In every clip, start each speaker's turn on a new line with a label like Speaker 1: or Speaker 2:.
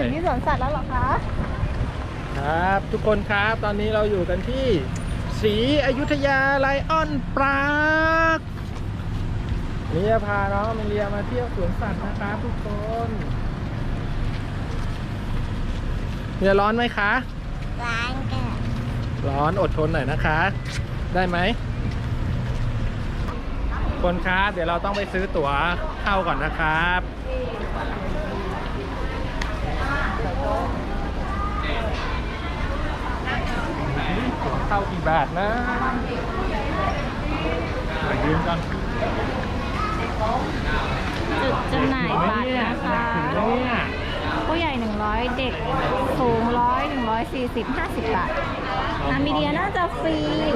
Speaker 1: ถึงที่สวนสัตว์แล้วเหรอคะ
Speaker 2: ครับทุกคนครับตอนนี้เราอยู่กันที่ศรีอยุธยาไลออนปาร์คนี่จะพาน้องมิเลียมาเที่ยวสวนสัตว์นะครับทุกคนเนี่ยร้อนไหมคะ
Speaker 3: ร้านกัน
Speaker 2: ร้อนอดทนหน่อยนะคะได้ไหมคนครับเดี๋ยวเราต้องไปซื้อตั๋วเข้าก่อนนะครับตั๋วเข้ากี่บาทนะยืมกัน
Speaker 1: จุดจำหน่ายบัตรนะคะผู้ใหญ่100เด็กสูง100 140 50 บาทนามิเดียน่าจะฟรี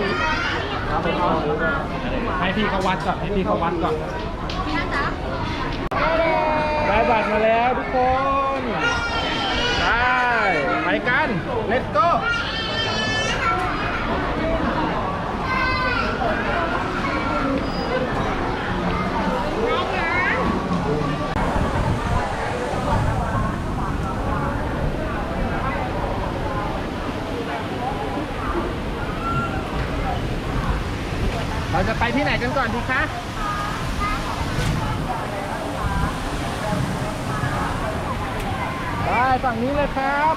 Speaker 2: ให้พี่เขาวัดก่อนได้บัตรมาแล้วทุกคนไปกัน let's goเราจะไปที่ไหนกันก่อนดีคะไปฝั่งนี้เลยครับ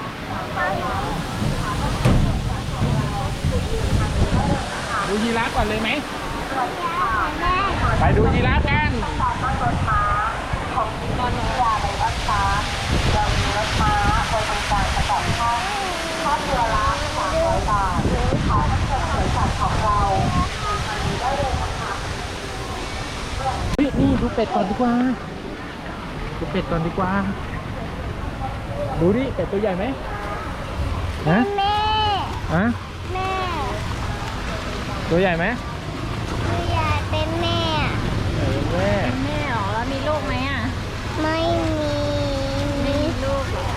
Speaker 2: ดูยีราฟก่อนเลยไหมไปดูยีราฟกัน
Speaker 3: ของตอนนี้อะไรบ้างคะเรามีรถม้าบริการประกอบข้าวเรือละ300 บาทขอให้เกิดสวนสัตว์ของเราได้เลยนะคะ
Speaker 2: นี่ดูเป็ดก่อนดีกว่าดูดิเป็ดตัวใหญ่ไหมฮะ
Speaker 3: แม่
Speaker 2: ตัวใหญ่ไหม
Speaker 3: ตัวใหญ่เป็นแม่
Speaker 1: หรอแล้วมีลูกไหมอ่ะ
Speaker 3: ไม่มี
Speaker 1: ลูกเหรอ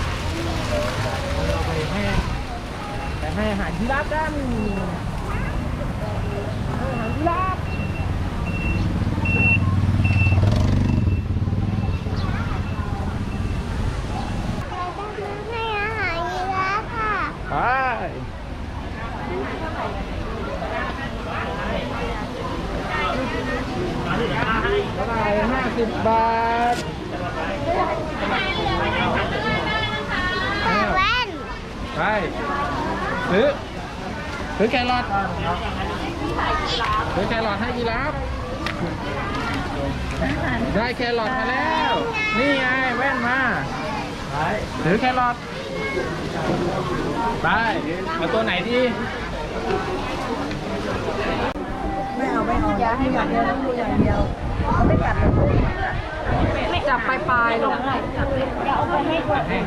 Speaker 2: เราไปให้อาหารยีราฟกันอาหารยีราฟ
Speaker 3: ให้อาหารยีราฟค่ะ
Speaker 2: ไปเท่าไหร่50 บาท
Speaker 3: แว่น
Speaker 2: ไปซื้อแครอทให้ยีราฟได้แครอทมาแล้วนี่ไงแว่นมาถือแครอทไปเอาตัวไหนดี
Speaker 4: ไม่เอาอย่าให้อย่างเดียวต้องดูอย่างเดียวไม่กัดเลยไม่จับปลายๆลง
Speaker 3: อย่าเอาไปให้ตัวอื่น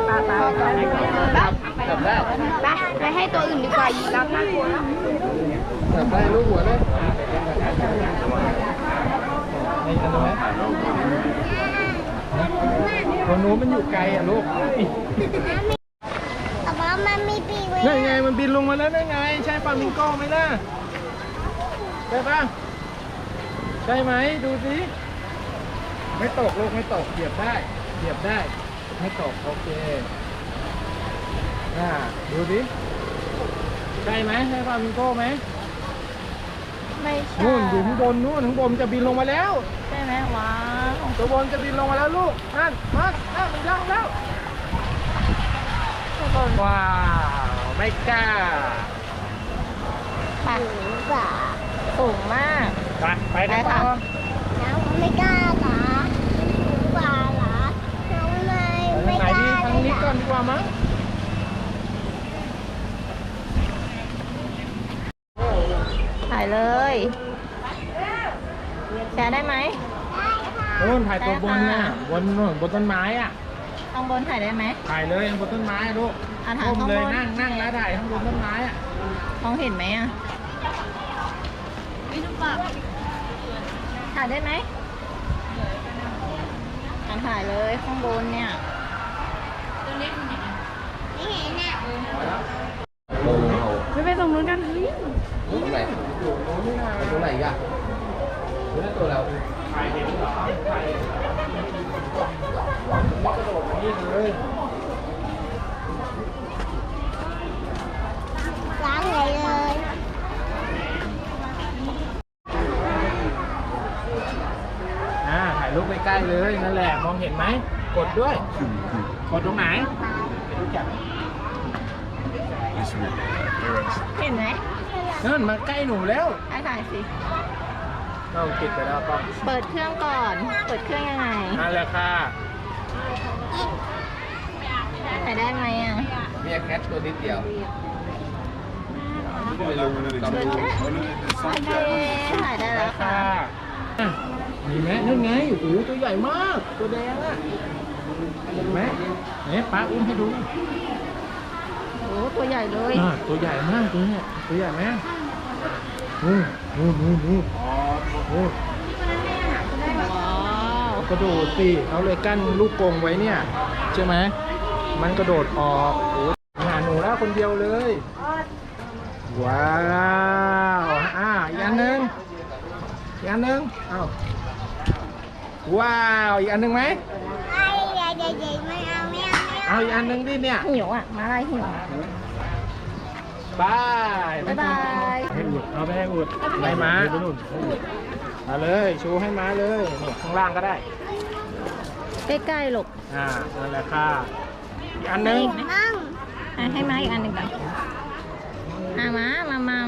Speaker 2: จับได้
Speaker 3: ไปให้ตัวอื่นดีกว่ายีราฟน่ากลัวนะ
Speaker 2: จับได้ลูกหัวเลยนี่อันนี้ไหมตัวนู้นมันอยู่ไกลอ่ะลูก
Speaker 3: แต่ว่ามันมีปีกไว้
Speaker 2: นั่นไงมันบินลงมาแล้วนั่นไงใช่ฟลามิงโก้ไหมล่ะใช่ปะใช่ไหมดูสิไม่ตกลูกไม่ตกเหยียบได้ไม่ตกโอเคดูสิใช่ไหมใช่ฟลามิงโก้ไหม
Speaker 1: ไม่ใช่
Speaker 2: นู่นอยู่ข้างบนจะบินลงมาแล้ว
Speaker 1: ใช่ไหมว้าว
Speaker 2: ตัวบนจะบินลงมาแล้วลูกนั่นมันย่องแล้วว้าวไม่กล้า
Speaker 1: สูงมาก
Speaker 2: ไปกันต่อ
Speaker 3: น้องไม่กล้าเหรอน้องไม่กล้า
Speaker 2: ทางนี้ก่อนดีกว่ามั้ง
Speaker 1: ถ่ายเลยแชร์ได้ไหม
Speaker 2: โน่นถ่ายตัวบนน่ะบนต้นไม้อ่ะ
Speaker 1: ข้างบนถ่ายได้ไหม
Speaker 2: ถ่ายเลยบนต้นไม้ลูก
Speaker 1: ถ่ายข้างบน
Speaker 2: เลยนั่งแล้วถ่ายข้างบนต้นไม้อ่ะ
Speaker 1: มองเห็นไหมอ่ะถ่ายได้ไหมถ่ายเลยข้างบนเนี่ย
Speaker 3: ไม่เห็นอ่ะ
Speaker 1: ไปตรงนู้นกันเฮ้ย
Speaker 2: ตรงไหนตรงไหนอ่ะตัวเราไม่กระโดดนี่เลยมองเห็นไหมกดด้วยกดตรงไหนไปดูจับ
Speaker 1: เห็นไหม
Speaker 2: นั่นมาใกล้หนูแล้ว
Speaker 1: ถ่ายสิ
Speaker 2: เราติดไปแล้วก็
Speaker 1: เปิดเครื่องก่อน เปิดเครื่องยังไง
Speaker 2: นั่นแหละค่ะ
Speaker 1: ถ่ายได้ไหมอ่ะ
Speaker 5: เมียแคทตัวนิดเดียว
Speaker 1: เปิดแค่โอเคถ่ายได้แล้วค่ะ
Speaker 2: อ่ะมีไหมนั่นไงโอ้โหตัวใหญ่มาก ตัวแดงอ่ะเห็นไหมเนี่ยป้าอุ้มให้ดู
Speaker 1: โอ้ตัวใหญ่เลย
Speaker 2: ตัวใหญ่มากตัวเนี่ยตัวใหญ่ไหมนู่น
Speaker 1: ว้
Speaker 2: นู่น
Speaker 1: าว
Speaker 2: กระโดดสิเขาเลยกั้นลูกกรงไว้เนี่ยใช่ไหมมันกระโดดออกโอ้หาหนูแล้วคนเดียวเลยว้าวอีกอันหนึ่งเอาว้าวอีกอันหนึ่งไหมเอาอีกอันหนึ่งดิเนี่ย
Speaker 1: หิวอ่ะ มาอะไรหิว
Speaker 2: บาย
Speaker 1: บ๊ายบาย
Speaker 2: ให้อุดเอาไปให้อุดไปม้ามาเลยชูให้ม้าเลยนี่ข้างล่างก็ได้
Speaker 1: ใกล้ๆหลบ
Speaker 2: นั่นแหละค่ะอีกอันหนึ่ง
Speaker 1: ให้มาอีกอันหนึ่งก่อนมามัม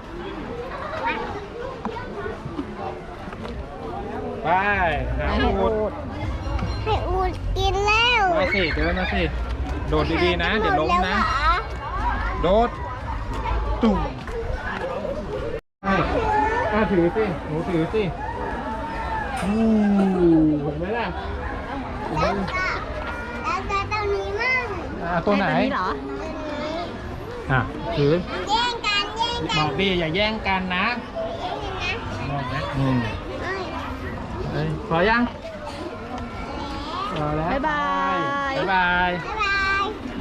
Speaker 2: ไปหา
Speaker 1: ให้
Speaker 2: อุ
Speaker 1: อู
Speaker 2: ด
Speaker 1: ด
Speaker 3: ให้อูดกินแล้ว
Speaker 2: มาสิเดินมาสิโดดดีๆนะเดี๋ยวล้มนะโดดตุ่มถือสิหนูถือสิเห็นไหมล่ะ
Speaker 3: แล้วจะตัวนี้มั่ง
Speaker 2: ตัวไหน
Speaker 1: ให้เหรอ
Speaker 2: ถือ
Speaker 3: แย่งกัน
Speaker 2: บอกดิอย่าแย่งกันนะบอกนะพอยังพอแล้ว
Speaker 1: บ๊ายบาย
Speaker 2: บ๊ายบาย
Speaker 3: บ๊ายบาย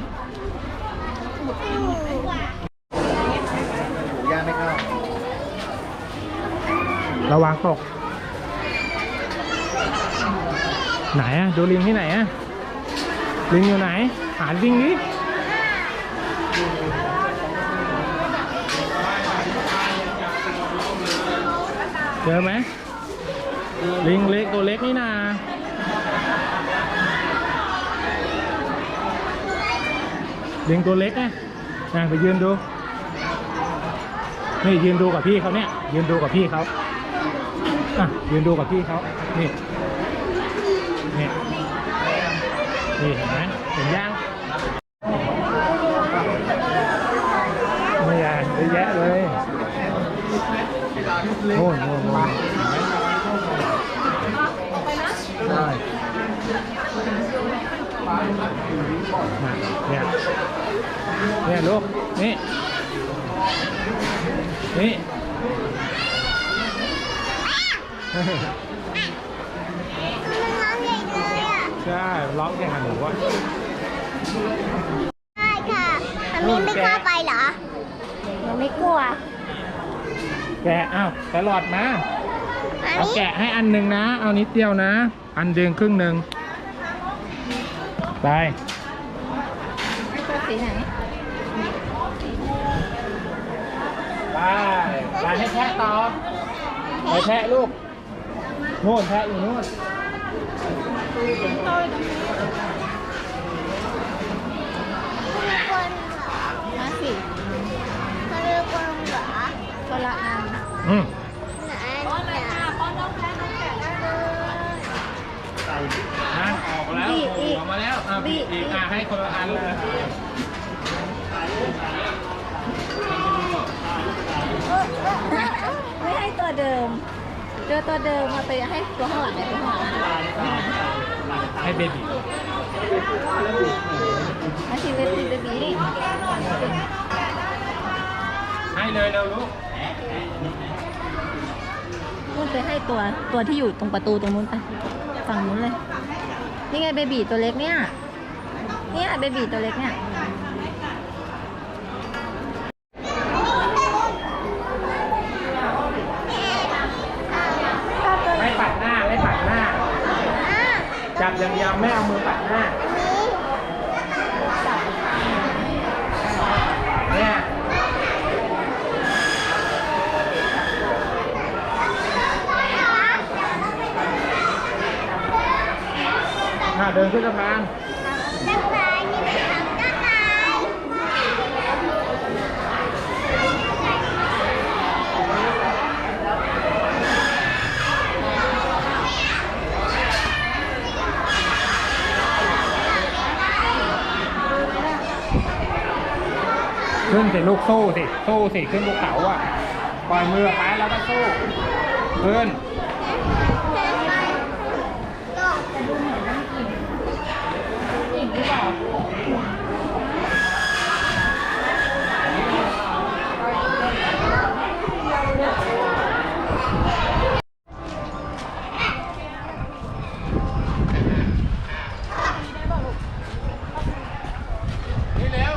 Speaker 5: ย่างไม่เข้า
Speaker 2: ระวังตก ไหนอะดูลิงที่ไหนอะลิงอยู่ไหนหาลิงดิเจอไหมลิงเล็กตัวเล็กนี่นาลิงตัวเล็กไงไปยืนดูนี่ยืนดูกับพี่เขาเนี่ยยืนดูกับพี่เขายืนดูกับพี่เขานี่เห็นไหมเห็นยังไม่ใหญ่เยอะแยะเลยโน่นใช่เนี่ยลูกนี่
Speaker 3: มันร้องใหญ่เลยอ่ะ
Speaker 2: ใช่ร้องอย่างหนูว่า
Speaker 3: ใช่ค่ะอันนี้ไม่กล้าไปเหรอ
Speaker 1: เราไม่กลัว
Speaker 2: แกะแครอทมา
Speaker 3: อัน
Speaker 2: เอา
Speaker 3: นี้
Speaker 2: แกะให้อันหนึ่งนะเอานิดเดียวนะอันเดียวครึ่งหนึ่งไป
Speaker 1: ให้ตัวสีไหน
Speaker 2: ไปให้แทะต่อไปแทะลูกโน่นแทะอยู่โน่น
Speaker 3: คนเหรอ
Speaker 1: มาสิ
Speaker 3: เขาเรียกคนเหรอ
Speaker 1: คนละอัน
Speaker 3: ไหนเนี่ย
Speaker 2: นะออกแล้วออกมาแล้วบีอีกให้คนละอันเลย
Speaker 1: ไม่ให้ตัวเดิมเจอตัวเดิมมาไปให้ตัวข้างหลังตัวข้างหลัง
Speaker 2: ให้เบบี้
Speaker 1: มาชิเวทีเบบีนี่
Speaker 2: ให้เลยเราลูก
Speaker 1: นู่นไปให้ตัวที่อยู่ตรงประตูตรงนู้นไปฝั่งนู้นเลยนี่ไงเบบีตัวเล็กเนี่ยเบบีตัวเล็กเนี่ย
Speaker 2: ไม่ปัดหน้าจับอย่างเดียวไม่เอามือปัดหน้าเนี่ยเดินขึ้นสะพาน
Speaker 3: สะพานนี่เป็นทางสะพาน
Speaker 2: ขึ้นสิลูกสู้สิขึ้นภูเขาอ่ะปล่อยมือไปแล้วก็สู้ขึ้นนี่เร็ว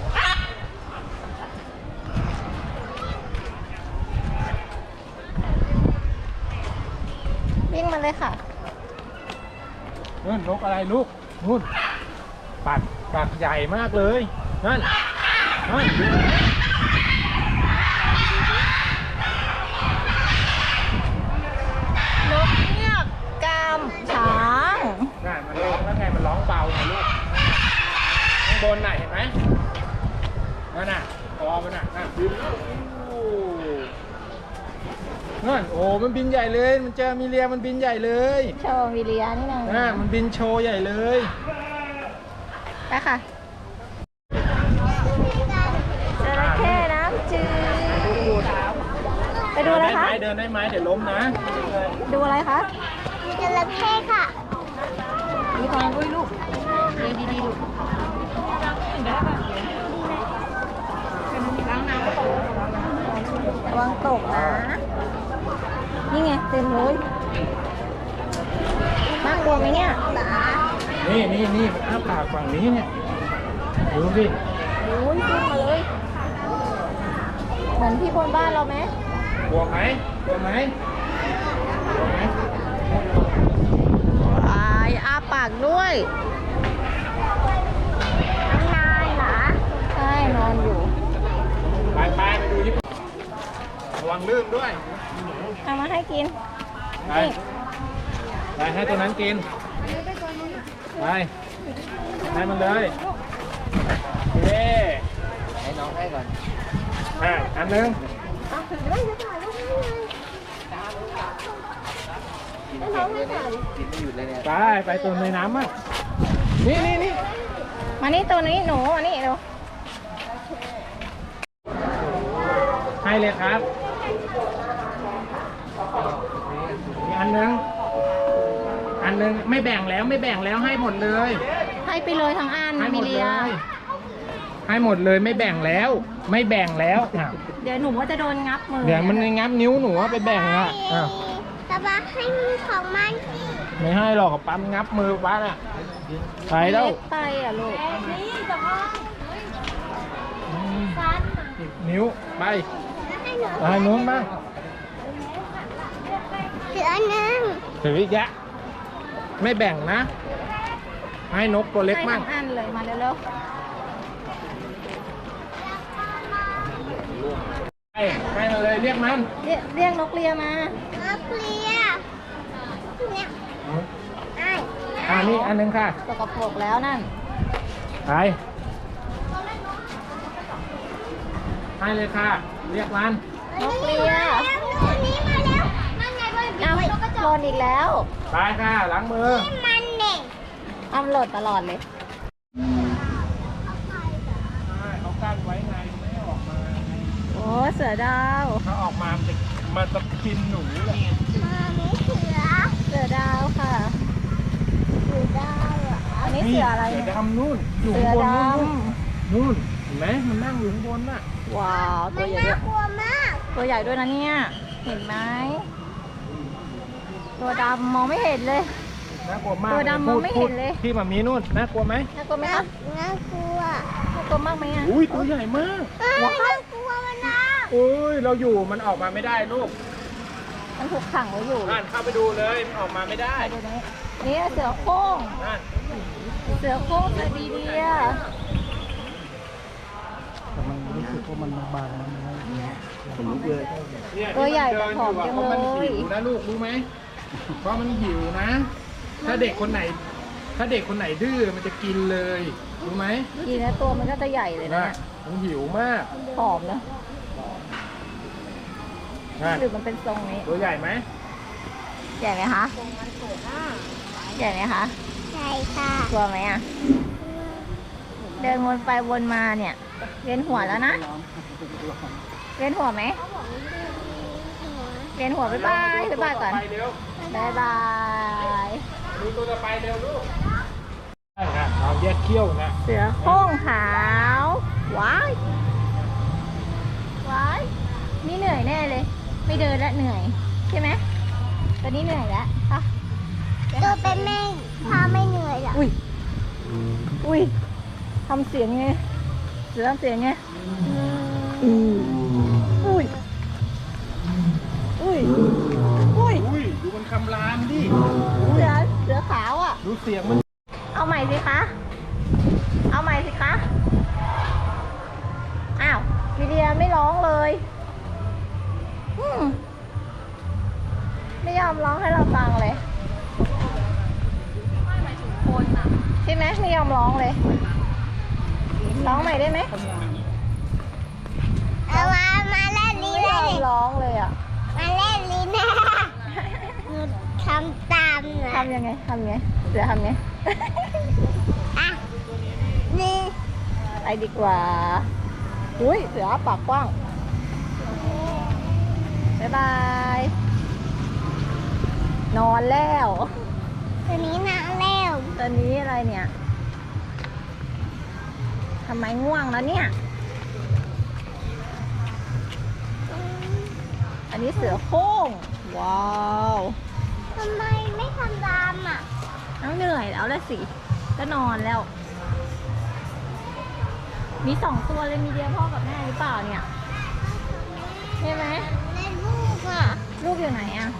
Speaker 1: วิ่งมาเลยค่ะ
Speaker 2: นู่นนกอะไรลูกนู่นปากใหญ่มากเลยนั่นนก
Speaker 1: เงือกกามช้าง
Speaker 2: นั่นมันร้องแล้วไงมันร้องเบาไงลูกข้างบนน่ะเห็นไหมนั่นน่ะคอมันน่ะบินนั่นโอ้มันบินใหญ่เลยมันเจอมีเรียมันบินใหญ่เลย
Speaker 1: โชว์วิเลียนี่นึง
Speaker 2: มันบินโชว์ใหญ่เลย
Speaker 1: ไปค่ะจระเข้น้ำจืดไปดูอะไรคะ
Speaker 2: เดินได้ไหมเดี๋ยวล้มนะ
Speaker 1: ดูอะไรคะ
Speaker 3: จระเข้ค่ะ
Speaker 1: มีความอุ้ยลูกเดินดีๆลูกระวังตกนะ นี่ไงเต็มเลยน่ากลัวไหมเนี่ย
Speaker 2: นี่มันอ้าปากฝั่งนี้เนี่ยดูสิ
Speaker 1: โอ้ยขึ้นมาเลย เหมือนที่บนบ้านเราไหม
Speaker 2: กลัวไหม
Speaker 1: อ้าปากด้วยนายเหรอ ใช่นอนอยู่
Speaker 2: ไปดูญี่ปุ่นระวังลื่นด้วย
Speaker 1: เอามาให้กิน
Speaker 2: ไปให้ตัวนั้นกินไปให้มันเลยเย้
Speaker 5: ให้น้องให้ก่อน
Speaker 2: อันนึง
Speaker 5: กินเก่งเลยเนี่ยกินไม่หยุดเลยเนี่ย
Speaker 2: ไปตัวในน้ำอ่ะนี่
Speaker 1: มานี่ตัวนี้หนูมานี่ดู
Speaker 2: ให้เลยครับมีอันนึงไม่แบ่งแล้วให้หมดเลย
Speaker 1: ให้ไปเลยทั้งอัน
Speaker 2: ให้หม
Speaker 1: มิ
Speaker 2: ด
Speaker 1: เลี
Speaker 2: เลย ยให้หมดเลยไม่แบ่งแล้วอ่ะ
Speaker 1: เดี๋ยวหนูว่าจะโดนงับมือ
Speaker 2: เดี๋ยวมันงับนิ้วหนูว่าไปแบ่งอ่ะอ้าว
Speaker 3: ตะบะให้ของมัน
Speaker 2: ไม่ให้หรอกปั๊มงับมือป้าน่ะไปแล้ว
Speaker 1: เล็กไปอ่ะลูก
Speaker 2: นิ้วไป
Speaker 3: ให้หนู
Speaker 2: ไปนู้นบ้าง
Speaker 3: เสือหนึ่ง
Speaker 2: ถืออีกแยะไม่แบ่งนะ ให้นกตัวเล็ก
Speaker 1: ให้
Speaker 2: มั่
Speaker 1: ทั้
Speaker 2: ง
Speaker 1: งอันเลยมาเร็ว
Speaker 2: ให้มาเลยเรียกมัน
Speaker 1: ๆเรียกนกเลียมา
Speaker 3: นักเรียนเนี่ยไอ้
Speaker 2: นี่อันนึงค่ะ
Speaker 1: สกปรกแล้วนั่น
Speaker 2: ไปให้เลยค่ะ เรียกมัน
Speaker 1: นกเลีย
Speaker 3: นี่มาแล้วนั่นไงบน
Speaker 1: เอ้าหล่นอีกแล้ว
Speaker 2: ไปค่ะล้างมือ
Speaker 3: มันเด็ก
Speaker 1: อ้ำหล่นตลอดเลย
Speaker 2: เขากั้นไว้ไงไม่ให้ออกมา
Speaker 1: โอ้เสือดาว
Speaker 2: เขาออกมามันจะกินหนูเลย
Speaker 3: มามีเสือ
Speaker 1: เสือดาวค่ะ
Speaker 3: เสือดาวอ่ะ
Speaker 1: อันนี้เสืออะไร
Speaker 2: เสือ
Speaker 1: เนี่ย
Speaker 2: ดำนู่นอยู่
Speaker 1: เสื
Speaker 2: ข้า
Speaker 1: อง
Speaker 2: บน
Speaker 1: ด
Speaker 2: นู่นเห็นไหมมันนั่งอยู่ข้างบนน่ะ
Speaker 1: ำว้าว
Speaker 3: มั
Speaker 1: ตัวน ใหญ่ด้
Speaker 3: น่า
Speaker 1: วย
Speaker 3: กลัวมาก
Speaker 1: ตัวใหญ่ด้วยนะเนี่ย เห็นไหม ตัวดำมองไม่เห็นเลย
Speaker 2: น่ากลัวมาก
Speaker 1: ตัวดำมองไม่เห็นเลย
Speaker 2: ที่มามีนู่นน่ากลัวไหม
Speaker 1: น่ากลัวไหมคะ
Speaker 3: น่ากลัว
Speaker 1: น่ากลัวมากไหมอ่ะ
Speaker 2: อุ้ยตัวใหญ่มาก
Speaker 3: น่ากลัวมันนะ
Speaker 2: อุ้ยเราอยู่มันออกมาไม่ได้ลูก
Speaker 1: มันถูกขังไว้อยู่
Speaker 2: อ่านเข้าไปดูเลยมันออกมาไม่ได้
Speaker 1: ดูนี้นี่เสือโคร่ง
Speaker 2: นั่น
Speaker 1: เสือโคร่งเสือดีเดีย
Speaker 2: แต่มันรู้สึกว่ามันบางๆนะผมรู้เลย
Speaker 1: ตัวใหญ่แต่ผอมจัง
Speaker 2: เพราะ
Speaker 1: เล
Speaker 2: มันหิ
Speaker 1: ยว
Speaker 2: นะลูกรู้ไหมเพราะมันหิวนะ ถ้าเด็กคนไหนถ้าเด็กคนไหนดื้อมันจะกินเลยรู้ไหม
Speaker 1: กินแล้วตัวมันก็จะใหญ่เลยนะ
Speaker 2: นะมันหิวมาก
Speaker 1: ผอมนะ
Speaker 2: นะ
Speaker 1: หรือมันเป็นทรงนี้
Speaker 2: ตัวใหญ่ไหม
Speaker 1: ใหญ่ไหมคะใหญ่ไหมคะ
Speaker 3: ใช่ค่ะ
Speaker 1: กลัวไหมอ่ะ เดินวนไปวนมาเนี่ยเวียนหัวแล้วนะเวียนหัวไหมเวียนหัวบ๊ายบายบ๊ายบายก่อน
Speaker 2: ไปเร็ว
Speaker 1: บ๊ายบาย
Speaker 2: ดูตัวต่อไปเร็วลูกใช่นะเราแยกเขี้ยวนะ
Speaker 1: เสือโคร่งขาวว้ายว้ายนี่เหนื่อยแน่เลย ไม่เดินแล้วเหนื่อยใช่ไหมตอนนี้เหนื่อยแล้วอ่ะ
Speaker 3: ตัวเป็นแม่พาไม่เหนื่อยหรอ
Speaker 1: อุ้ยอุ้ยทำเสียงไงเสือทำเสียงไงอุ้ยอุ้ยอุ้ย
Speaker 2: อุ้ยดูมันคำรามดิ
Speaker 1: เสือขาวอ่ะ
Speaker 2: ดูเสียงมัน
Speaker 1: เอาใหม่สิคะ เอาใหม่สิคะ อ้าววิเดียไม่ร้องเลยไม่ยอมร้องให้เราฟังเลยใช่ไหมไม่ยอมร้องเลย ร้องใหม่ได้ไหม
Speaker 3: เอามาเล่นลิ้น
Speaker 1: ไม่
Speaker 3: เลย
Speaker 1: อมร้องเลยอ่ะ
Speaker 3: มาเล่นลิ้นนะทำตามนะ
Speaker 1: ทำยังไงทำไงเสือทำไง
Speaker 3: อ่ะนี่
Speaker 1: ไปดีกว่า อุ้ยเสือปากกว้าง บ๊ายบาย นอนแล้ว
Speaker 3: ตัวนี้นะเร็ว
Speaker 1: ตอนนี้อะไรเนี่ย ทำไมง่วงแล้วเนี่ย อันนี้เสือโคร่ง ว้าว
Speaker 3: ทำไมไม่ทำตามอ่ะ
Speaker 1: น้องเหนื่อยแล้วละสิ ก็นอนแล้ว มี2 ตัวเลย มีเดียวพ่อกับแม่หรือเปล่าเนี่ย ใช่ไหม
Speaker 3: เล่นลูกอ่ะ
Speaker 1: ลูกอยู่ไหนอะ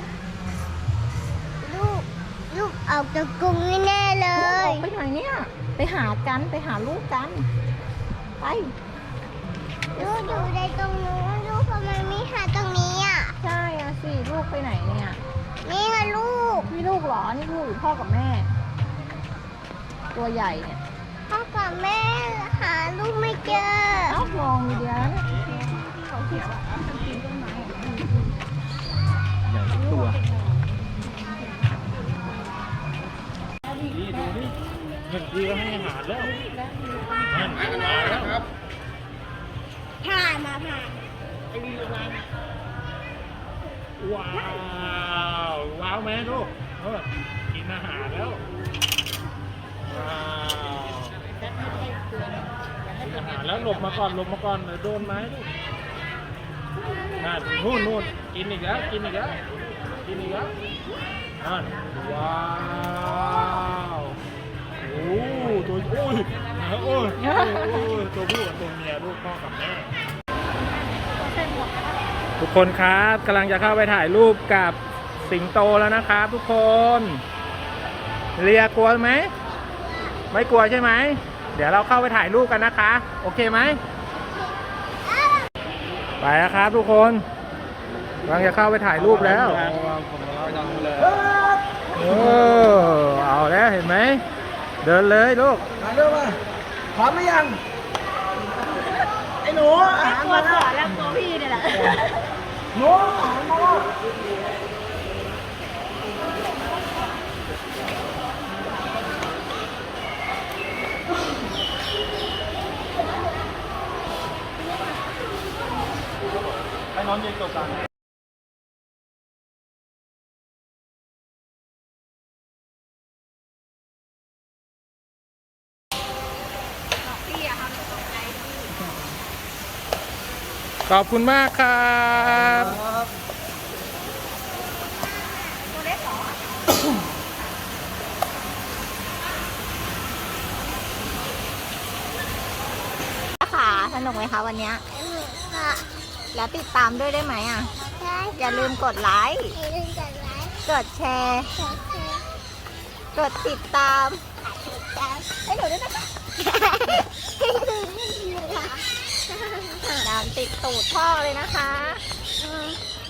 Speaker 3: ลูกออกจากกรงแน่ๆเล
Speaker 1: ลูกอย อกไปไหนเนี่ย ไปหากันไปหาลูกกัน ไป
Speaker 3: ลูกอยู่ในตรงนู้นลูกทำไมไม่หาตรงนี้อ่ะ
Speaker 1: ใช่อะสิ ลูกไปไหนเนี่ย
Speaker 3: นี่ไงลูก
Speaker 1: นี่ลูกเหรอ นี่ลูกหรือพ่อกับแม่ ตัวใหญ่เนี่ย
Speaker 3: พ่อกับแม่หาลูกไม่เจอ
Speaker 1: เอ้ามองดีเดียวนะ
Speaker 2: ใหญ่ทุกตัวดีดูดิเงินดีก็ให้อาหารแล้วนั่นมาแล้วครับ
Speaker 3: ผ่านมาผ่าน
Speaker 2: ว้าวว้าวไหมลูกกินอาหารแล้วว้าวกินอาหารแล้วหลบมาก่อนเดี๋ยวโดนไม้ลูกนู่นกินอีกแล้วนั่นว้าวโอ้ตัวโอ้ยตัวผู้กับตัวเมียลูกพ่อกับแม่ทุกคนครับกำลังจะเข้าไปถ่ายรูปกับสิงโตแล้วนะครับทุกคนเรียกลัวไหมไม่กลัวใช่ไหมเดี๋ยวเราเข้าไปถ่ายรูปกันนะคะโอเคไหมไปแล้วครับทุกคนกำลังจะเข้าไปถ่ายรูปแล้วเอาแล้วเห็นไหมเดินเลยลูก
Speaker 4: ถ่ายรูปมาพร้อมหรือยัง ไอ้หนูอาหาร
Speaker 1: ตัว
Speaker 4: มาแล้ว
Speaker 1: ก่อนแล้วตัวพี่เนี่ยแหละ
Speaker 4: หนูอาหารมาแล้ว
Speaker 2: ให้น้องยืนตรงกลาง ขอบคุณมากครับ
Speaker 1: ค่ะสนุกไหมคะวันเนี้ย
Speaker 3: ค่ะ
Speaker 1: แล้วติดตามด้วยได้ไหมอ่ะ
Speaker 3: ใช่
Speaker 1: อย่าลืมกดไลค์
Speaker 3: อย่าลืมกดไลค์
Speaker 1: กดแชร์
Speaker 3: กดแชร์
Speaker 1: กดติดตาม
Speaker 3: ติดตาม
Speaker 1: ให้หนูด้วยนะคะ
Speaker 3: ให้ดูนี่ค่ะ
Speaker 1: ตามติดตูดพ่อเลยนะคะ
Speaker 3: อืม